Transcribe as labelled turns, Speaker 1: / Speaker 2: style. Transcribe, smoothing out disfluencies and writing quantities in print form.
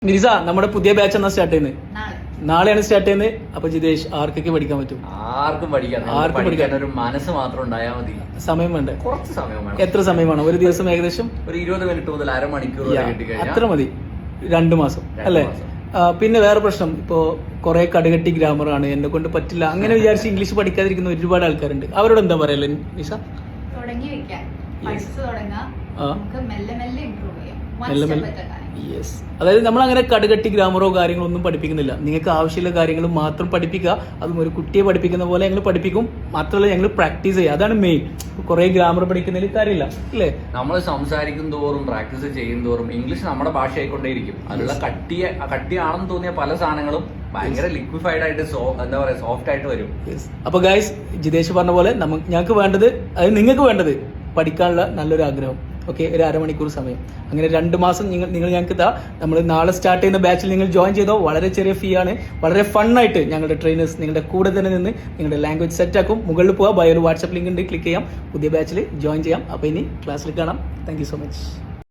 Speaker 1: നിരിസ, നമ്മുടെ പുതിയ ബാച്ച് എന്നാ സ്റ്റാർട്ട് ചെയ്യുന്നത്? നാളെയാണ് സ്റ്റാർട്ട് ചെയ്യുന്നത്. അപ്പൊ ജിതേഷ്, ആർക്കൊക്കെ പഠിക്കാൻ പറ്റും?
Speaker 2: ആർക്കും പഠിക്കാൻ ഒരു മനസ്സ് മാത്രം ഉണ്ടായാൽ മതി.
Speaker 1: സമയം വേണ്ടേ?
Speaker 2: കുറച്ച് സമയം വേണം.
Speaker 1: എത്ര സമയം വേണം? ഒരു ദിവസം ഏകദേശം
Speaker 2: ഒരു 20 മിനിറ്റ് മുതൽ അരമണിക്കൂർ വരെ കിട്ടിക്കഴിഞ്ഞാൽ
Speaker 1: അത്ര മതി. 2 മാസം അല്ലേ? പിന്നെ വേറെ പ്രശ്നം, ഇപ്പോ കുറെ കടുകട്ടി ഗ്രാമറാണ്, എന്നെ കൊണ്ട് പറ്റില്ല അങ്ങനെ വിചാരിച്ച് ഇംഗ്ലീഷ് പഠിക്കാതിരിക്കുന്ന ഒരുപാട് ആൾക്കാരുണ്ട്. അവരോട് എന്താ പറയല്ലേ നിഷ? യെസ്, അതായത് നമ്മൾ അങ്ങനെ കടുകട്ടി ഗ്രാമറോ കാര്യങ്ങളോ ഒന്നും പഠിപ്പിക്കുന്നില്ല. നിങ്ങൾക്ക് ആവശ്യമുള്ള കാര്യങ്ങൾ മാത്രം പഠിപ്പിക്കുക. അതും ഒരു കുട്ടിയെ പഠിപ്പിക്കുന്ന പോലെ ഞങ്ങൾ പഠിപ്പിക്കും. മാത്രമല്ല ഞങ്ങൾ പ്രാക്ടീസ് ചെയ്യുക, അതാണ് മെയിൻ. കുറെ ഗ്രാമർ പഠിക്കുന്നതിൽ കാര്യമില്ല അല്ലേ?
Speaker 2: നമ്മൾ സംസാരിക്കും തോറും പ്രാക്ടീസ് ചെയ്യും തോറും ഇംഗ്ലീഷ് നമ്മുടെ ഭാഷയായിക്കൊണ്ടേയിരിക്കും. അതിലുള്ള കട്ടിയാണെന്ന് തോന്നിയ പല സാധനങ്ങളും ഭയങ്കര ലിക്വിഫൈഡ് ആയിട്ട് എന്താ പറയാ സോഫ്റ്റ് ആയിട്ട് വരും.
Speaker 1: അപ്പൊ ഗൈസ്, ജിതേഷ് പറഞ്ഞ പോലെ ഞങ്ങൾക്ക് വേണ്ടത്, അതായത് നിങ്ങൾക്ക് വേണ്ടത് പഠിക്കാനുള്ള നല്ലൊരു ആഗ്രഹം. ഓക്കെ, ഒരു അരമണിക്കൂർ സമയം. അങ്ങനെ 2 മാസം നിങ്ങൾ ഞങ്ങൾക്ക് നമ്മൾ നാളെ സ്റ്റാർട്ട് ചെയ്യുന്ന ബാച്ചിൽ നിങ്ങൾ ജോയിൻ ചെയ്തോ. വളരെ ചെറിയ ഫീ ആണ്. വളരെ ഫണ്ണായിട്ട് ഞങ്ങളുടെ ട്രെയിനേഴ്സ് നിങ്ങളുടെ കൂടെ തന്നെ നിന്ന് നിങ്ങളുടെ ലാംഗ്വേജ് സെറ്റ് ആക്കും. മുകളിൽ പോവാം, ബയോയിൽ വാട്സ്ആപ്പ് ലിങ്ക് ഉണ്ട്, ക്ലിക്ക് ചെയ്യാം, പുതിയ ബാച്ചിൽ ജോയിൻ ചെയ്യാം. അപ്പോൾ ഇനി ക്ലാസ്സിൽ കാണാം. Thank you so much.